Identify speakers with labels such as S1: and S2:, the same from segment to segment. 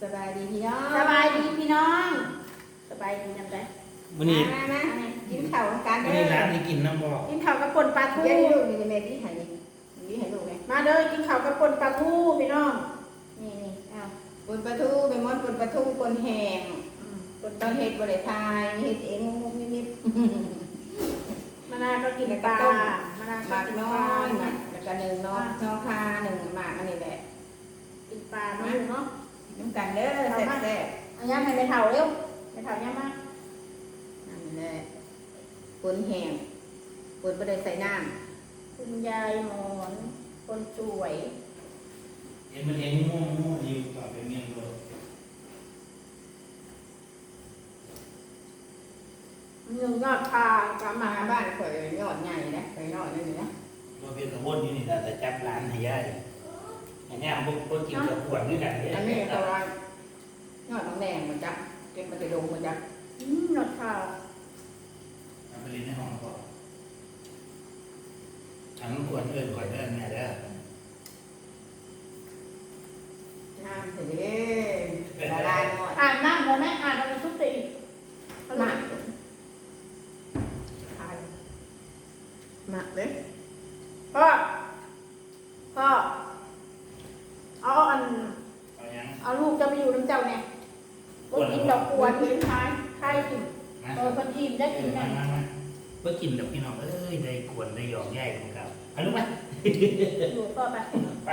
S1: สบายดีพี่น้อง
S2: สบายดีพี่น้องสบายดียังไง
S3: วันนี้
S1: มากินข้าวกัน
S3: วันนี้ร้านที่กินน้ำบอก
S2: กินข้าวกับป่นปลาทู
S1: เดี๋ยวลูกนี่แม่พี่ให้นี่ให้ลูกไง
S2: มาเด้อกินข้าวกับป่นปลาทูพี่น้องนี่อ้าว
S1: ปนปลาทูเป็นม้อนปนปลาทูปนแห้งปนตอนเฮ็ดบริทายเฮ็ดเองงงนิด
S2: มะนาวก็กินปลามะนาว
S1: ๆห
S2: ก็
S1: มาก
S2: กิน
S1: น้
S2: ป
S1: อ
S2: ลาย
S1: แล้วก็หนึ่งน้องน้องคาหนึ่งหมากอันนี้แหละ
S2: กินปลาเนาะเนาะ
S1: น้ำกันเด้อแซ่บ
S2: อันนี้ให้ไปเผาเร็วไปเผาย่ามา
S1: ๆนั่นแหละปนแห้งปนบ่ได้ใส่น้
S2: คุณยายหมอนคนสวย
S3: เอ็นมันเองม่วงอยู่ต่อไปเมียงเลย
S2: เนื้อยอดปลาปลา
S1: ำ
S2: หมา
S1: มาบ้านข่อยยอดใหญ่นะข่อยยอดนี่นะ
S3: ตัวเป็นกระวนอยู่นี่แต่จับร้านให้ย่ายอันนี้พวกกินกับขวดด้วยกันเนี่ย
S1: อันนี้ก็ว่ายอดน้องแดงมันจักเก็บมันจะดงมันจัก
S2: ยอดปลา
S3: เอาไปเรียนในห้องก่อนทั้งขวดเอิญขวดเอิญแม่เด้อ
S1: น้ำเสร็จละลายหมด
S2: อ่านน้ำแล้วแม่อ่านแล้วมันทุกตีห
S1: ห
S2: มั
S1: มั
S2: ก
S1: กหมักเลย
S2: พ่อเอาอัน
S3: เอายัง
S2: เอาลูกจะไปอยู่น้ำเจ้าเนี่ยก็กินดอกกวนกินท้ายไข่กินคนอิ่มได้กินไง
S3: มาเพื่อกินกับพี่น้องเอ้ยได้กวนได้หยอกแย่ของเขาเอาลูกไหม
S2: อยู่ต่อไป
S3: ไป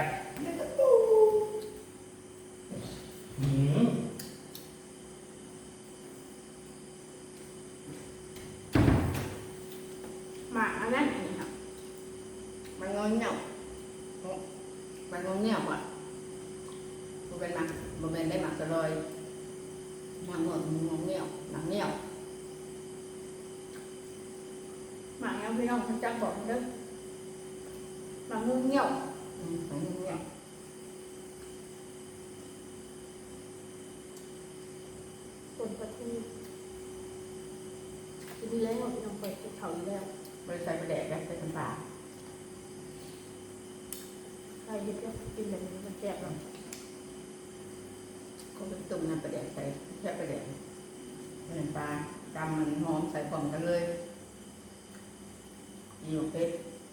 S3: อืม
S2: หมักอันนั้นอันนี้ครับ
S1: มันงอนเงียบมันงอนเงียบอ่ะมันเป็นหมักมันเป็นได้หมักตลอยหมักงอนงอนเงียบหมักเงียบ
S2: หมักยังพี่น้องคนจังบอกเด้อหมักงูเงี้ยว
S1: หมักเงียบ
S2: คนประทูกินแล้วพี่น้องเปิดเขาอยู่แล้ว
S1: บริษัทประแดกแล้วใส่น้ำปลา
S2: ใครยึดก็กินแบบนี้มันแซ่บหรอก
S1: เขาเป็นตุ่มน้ำประแดกใส่แค่ประแดกน้ำปลาดำมันหอมใส่พร้อมกันเลยอยู่เป็ด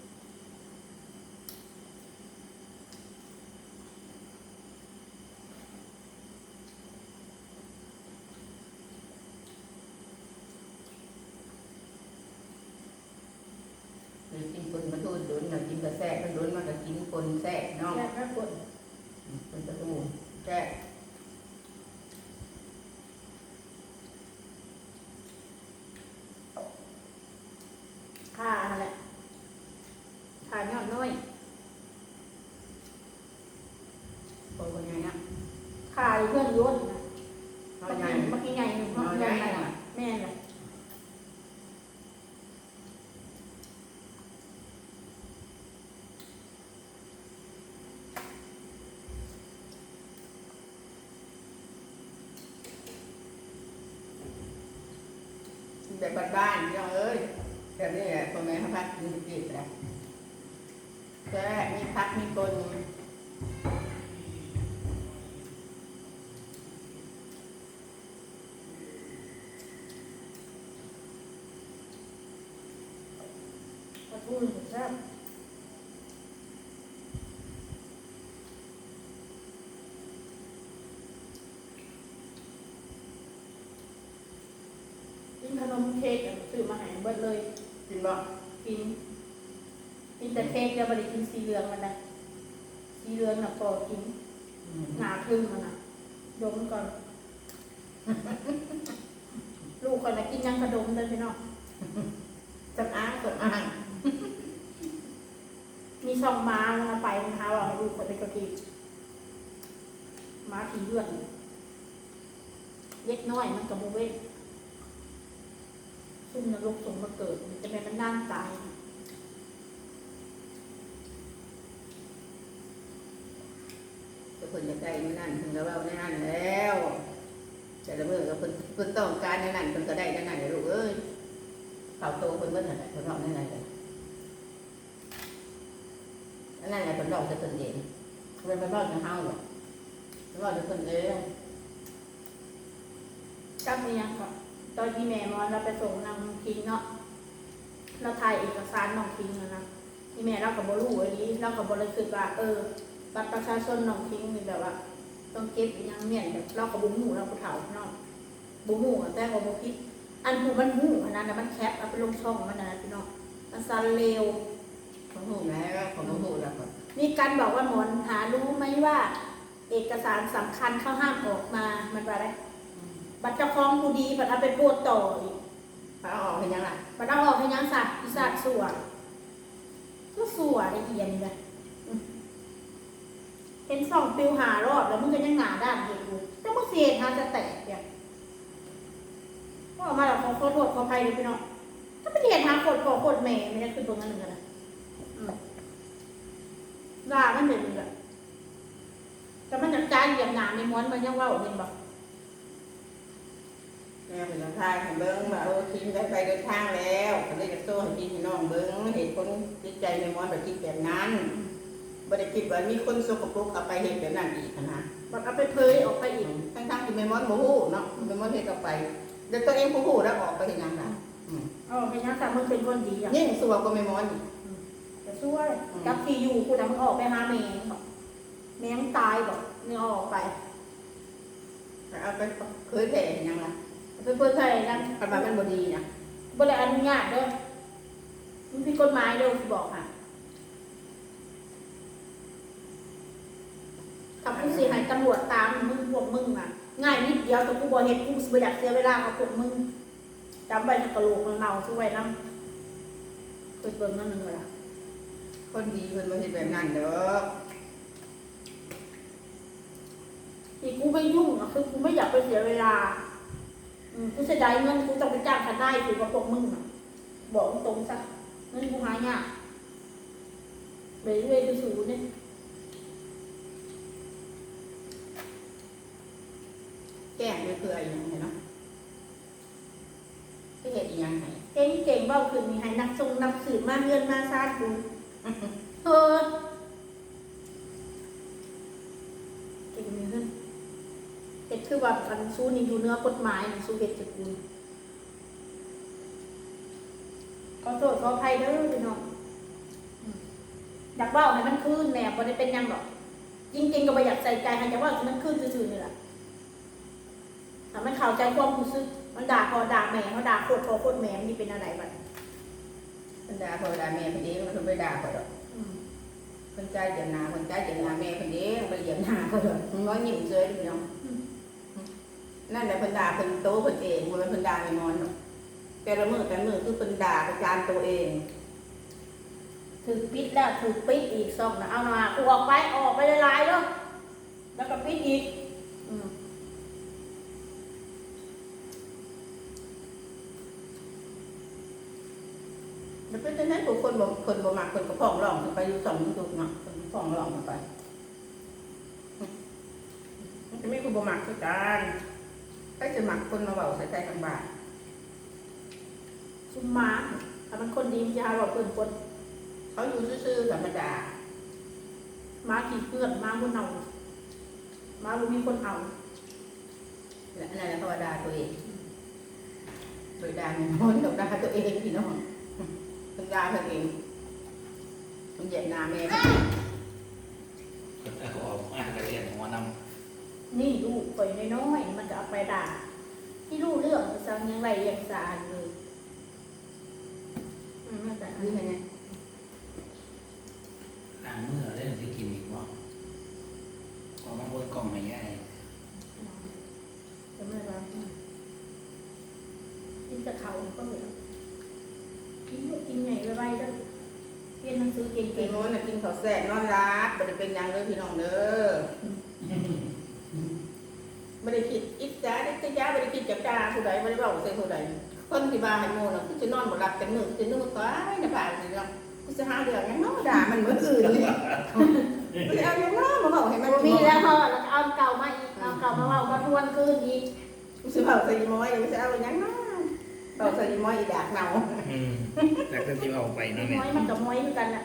S1: หรือกินคนมาทูดดุนหรือกินกระแซ่ก็ดุนมันก็กินคนแซ่เนาะ
S2: แซ่บแม่ปวด
S1: เป็นประตูแซ่
S2: ขาอะไรขายอดน้อย
S1: คนคนใหญ่นะ
S2: ขายเพื่อนย้นนะ
S1: เขา
S2: เมื่อ
S1: ใหญ่
S2: กี้ใหญ่เมื่อกี้ใหญ่แม่เลย
S1: แบบบ้านๆพี่น้องเอ้ยแบบนี้แหละคนแม่เขาพักกินติดแล้วแซ่มีพักมีคน
S2: ประทูแซ่บกินขนมเค้กซื้อมาให้เบิดเลย
S1: กินบ่
S2: กินแต่เค้กจะบริกินสีเหลืองมันนะสีเหลืองน่ะพอกินหนาทึ่งมันน่ะดมก่อน ลูกก่อนนะกินยังกระดมเลยพี่น้อง
S1: สำอางสำอาง
S2: มีช่องม้าแล้วนะไปมันหาว่าให้ลูกคนไปกระกินม้าผีเลือดเล็กน้อยมันกับโมเว้นซุ่มนรกสมมาเกิดมันจะเป็นมันน่านตาย
S1: แต่คนจะได้ไม่นั่นถึงจะว่าไม่นั่นแล้วแต่ละเมื่อก็เพิ่นต้องการในนั้นเพิ่นก็ได้ในนั้นเลยลูกเอ้ยเขาโตเพิ่นเมื่อไหร่เพิ่นรอในนั้นเลยนั่นแหละเพิ่นรอจะตนเองเพิ่นไปรอจะเฮาหรอกเพิ่นรอจะตนเอง
S2: อกับนี่ยังก็ตอนที่แม่มอนเราไปส่งนางคิงเนาะเราถ่ายเอกสารน้องคิงนะที่แม่เรากับบรู้อันนี้เรากับบริสุทธิ์ว่าบัตรประชาชนน้องคิงนี่แบบว่า ต้องเก็บอย่างเนี้ยแบบเรากับบุ้งหูเราผู้เฒ่าเนาะบุ้งหูแต่ว่าบุคิดอันหูมันหูอันนั้นมันแคบเอาไปลงช่องมันนะพี่น้องมันซันเร็ว
S1: ของหูแล้วของหูแล้วก็
S2: มีการบอกว่าหมอนหารู้ไหมว่า เอกสารสำคัญเขาห้ามออกมามันว่าอะไรบัตรเจ้าของผู้ดีบัตรเอาไปโพดต่ออีก
S1: เอาออกเป็นยังไง
S2: บัตรเอาออกให้ยังสัตว์อีสัตว์สัวก็สัวละเอียดนี่แหละเห็นส่องปิวหารอบแล้วมึงก็ยังหนาด้านเห็นอยู่แต่มึงเสียทางจะแตกเนี่ยก็ออกมาแล้วขอโทษขออภัยเลยพี่น้องถ้าไม่เห็นทางโคตรแม่ไม่ได้ขึ้นตรงนั้นเหมือนกันนะด่ามันเด็ดเลยแต่มันจัดการเหยียบหนาในม้วนมันยังว่าเห็นบอก
S1: แม่เป็นทางให้เบิ้งว่าทิ้งได้ไปเดินทางแล้วก็เลยจะโซ่ให้พี่น้องเบิ้งเห็นคนจิตใจในม้วนแบบคิดแบบนั้นบ่ได้คิดว่ามีคนสกปรกเอาไปเห็นแบบนั้นอีกนะ
S2: บัตรเอาไปเผยออกไปอีก
S1: ทั้งที่แม่ม้อนบ่ฮู้เนาะแม่ม้อนเฮ็ดออกไปเดี๋ยวตัวเองผู้ฮู้แล้วออกไปเฮ็ดหยังล่ะ
S2: เป็นยังแต่มึงเป็นคนดีอ่ะ
S1: ยิ่งสัวกว่าแม่ม้อนอีก
S2: จะช่วยกับที่อยู่กูแต่มึงออกไปหาแมงบอกแมงตายบอกมึงออกไป
S1: เอาไปเคยแผ่เฮ็ดหยังล่ะ
S2: ไปเปิดเผยกัน
S1: กำลังมันบ่ดีนะ
S2: บ่ได้อนุญาตเด้อมึงผิดกฎหมายเด้อกูบอกค่ะถ้ากูสิให้ตำรวจตามมึงพวกมึงน่ะง่ายนิดเดียวแต่กูบ่เฮ็ดกูสิบ่อยากเสียเวลากับพวกมึงจำไว้ในกระโหลกมันเน่าช่วยนำเปิดเบิ่งนั่นนึงล่ะ
S1: คนดีเพิ่นบ่เฮ็ดแบบนั้นเด้อ
S2: ที่กูไม่ยุ่งอ่ะคือกูไม่อยากไปเสียเวลากูเสียดายเงินกูต้องไปจ้างทนายถือกับพวกมึงอ่ะบอกตรงซะเงินกูหายากไปเรื่อยไปสู่เนี่ย
S1: แกล้งไปเพื่ออีหยังเนาะสิเฮ็ดอีหยังให้
S2: เก่งเบ้าขึ้นนี่ให้นักทรงนักสืบมาเงินมาซาดกูเก่งมีขึ้นเห็ดคือว่ามันสู้นี่อยู่เนื้อกฎหมายมันสู้เห็ดจากกูขอโทษขออภัยเด้อพี่น้องอยากเบ้าให้มันคืนแหน่บ่ได้เป็นยังหรอกจริงๆก็บ่อยากใส่ใจให้อยากว่ามันคืนซื่อๆนี่แหละแต่มันเข้าใจความรู้สึกมันด่าพอด่าแม่เขาด่าโคตรพอโคตรแม่มันนี่เป็นอะไรบ้าง
S1: เพิ่นด่าพ่อด่าแม่เพิ่นเองมันเพิ่นบ่ด่าเขาดอกเพิ่นใจเย็นหน้าเพิ่นใจเย็นหน้าแม่เพิ่นเองบ่ได้เหยียบหน้าเขาดอกมันบ่ยิ้มเฉยพี่น้องนั่นแหละเพิ่นด่าเพิ่นโตเพิ่นเองบ่แม่นเพิ่นด่าแม่มอนดอกแต่ละมื้อคือเพิ่นด่าประจานตัวเอง
S2: ถือปิดแล้วถือปิดอีกซ่องนะเอาหน่ากูออกไปหลายๆแล้วแล้วก็ปิดอีก
S1: แล้วเป็นจังได๋ผู้คนบ่มักเพิ่นก็ฟ้องร้องขึ้นไปอยู่2อยู่ตุกเนาะเพิ่นฟ้องร้องขึ้นไปมันจะมีผู้บ่มักคือกันไปสิมักคนมาเว้าใส่ใจทางบ้าน
S2: ซุมมาถ้ามันคนดีมันจะหาว่าเพื่อนคน
S1: เขาอยู่ซื่อๆธรรมดา
S2: มาขี่เพื่อนมาบนเอามาบ่มีคนเอา
S1: และนั่นแหละเขาว่าด่าตัวเองโดยด่าแม่มอนกับด่าตัวเองพี่น้องเพิ่นด่าตัวเองเพิ่นเหยียดหน้าแม่เพิ่น
S3: ก็ออกมาก็เรียนหัวนำ
S2: นี่ลูกปล่อยน้อยๆมันจะเอาไปด่าที่รู้เรื่องจะสั่งยังไรยังสะอาดเลยไม่แต่
S1: คือไง
S3: ล้างมือได้สิกินอีกบ่ก็มาบนกล่องให้ยาย
S2: จะไม่รับกินจะเขาก็เหลือกินกินใหญ่ไวๆแล้วเรียนหนังสือเก่
S1: พี่
S2: ง
S1: น้องน่ะกินข้าวแซ่บนอนรับบ่ได้เป็นหยังเลยพี่น้องเด้อบ่ได้คิดอิจฉาดิษยาบ่ได้คิดจะด่าผู้ใดบ่ได้เว้าใส่ผู้ใดคนที่ว่าให้โมน่ะคือสินอนบ่หลับกันมื้อสินึกว่าในบ้านนี่เนาะกูสิหาเรื่องหยังเนาะด่ามันเหมือนอื่นเลยกูสิเอาหยังเนาะมาเว้าให้มัน
S2: ๆมีแล้วเขาแล้วเอาเก่ามาอีกเอาเก่ามาว่ามาทวนคืนอีก
S1: กูสิเว้าใส่อีหมอยกูสิเอาหยังเนาะเว้าใส่อีหมอยอีดากเน่า
S3: แล้วก็ที่เอาไปเนาะแม่
S2: ม้อยมันกับม้อยด้วยกันอ่ะ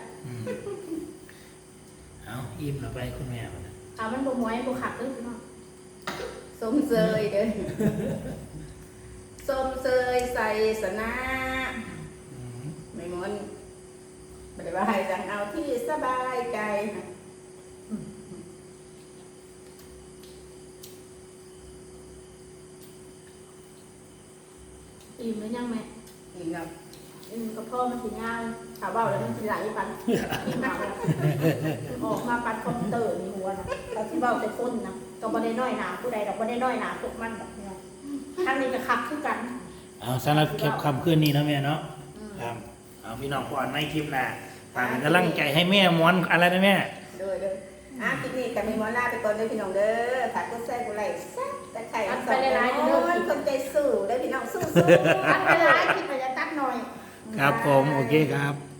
S3: เอาอิ่มแล้วไปคุณแม่มัน
S2: เอามันบ่ม้อยบ่ขัดเลยพี่น้อง
S1: สมเสยเด้อส้มเซยใส่สนะ
S3: อืม
S1: ไม่มนไม่ได้ว่าให้จังเอาที่สบายใจนะ
S2: อิ่มหรือยังแม่
S1: อิ่มแล้ว
S2: ก็พ่อมันสิง่ายถามว่าแล้วมันสิไหลปันอิ่มมากเลยออกมาปันคอมพิวเตอร์ในหัวนะแต่ที่เบ้าแต่คนนะก็บ่ได้น้อยหนาผู้ใดดอกบ่ได้น้อยหนาพวกมันแบบนี้ทางนี้ก็คักคือกัน
S3: เอาสำหรับคลิปคำคืนนี้นะแม่เนาะครับเอาพี่น้องก่อนในคลิปหน้าฝากเป็นกำลังใจให้แม่ม้วนอะไรนะแม่
S1: เด้อเด้อคลิปนี้กับมีหมอลาไปก่อนเด้อพี่น้องเด้อฝากกดแชร์กดไลค์ซับตะไคร้อันสองคนใจสู้เด้อพี่น้องสู้
S2: อันเวลาคิดว่าจะตัดหน่อย
S3: ครับผมโอเคครับ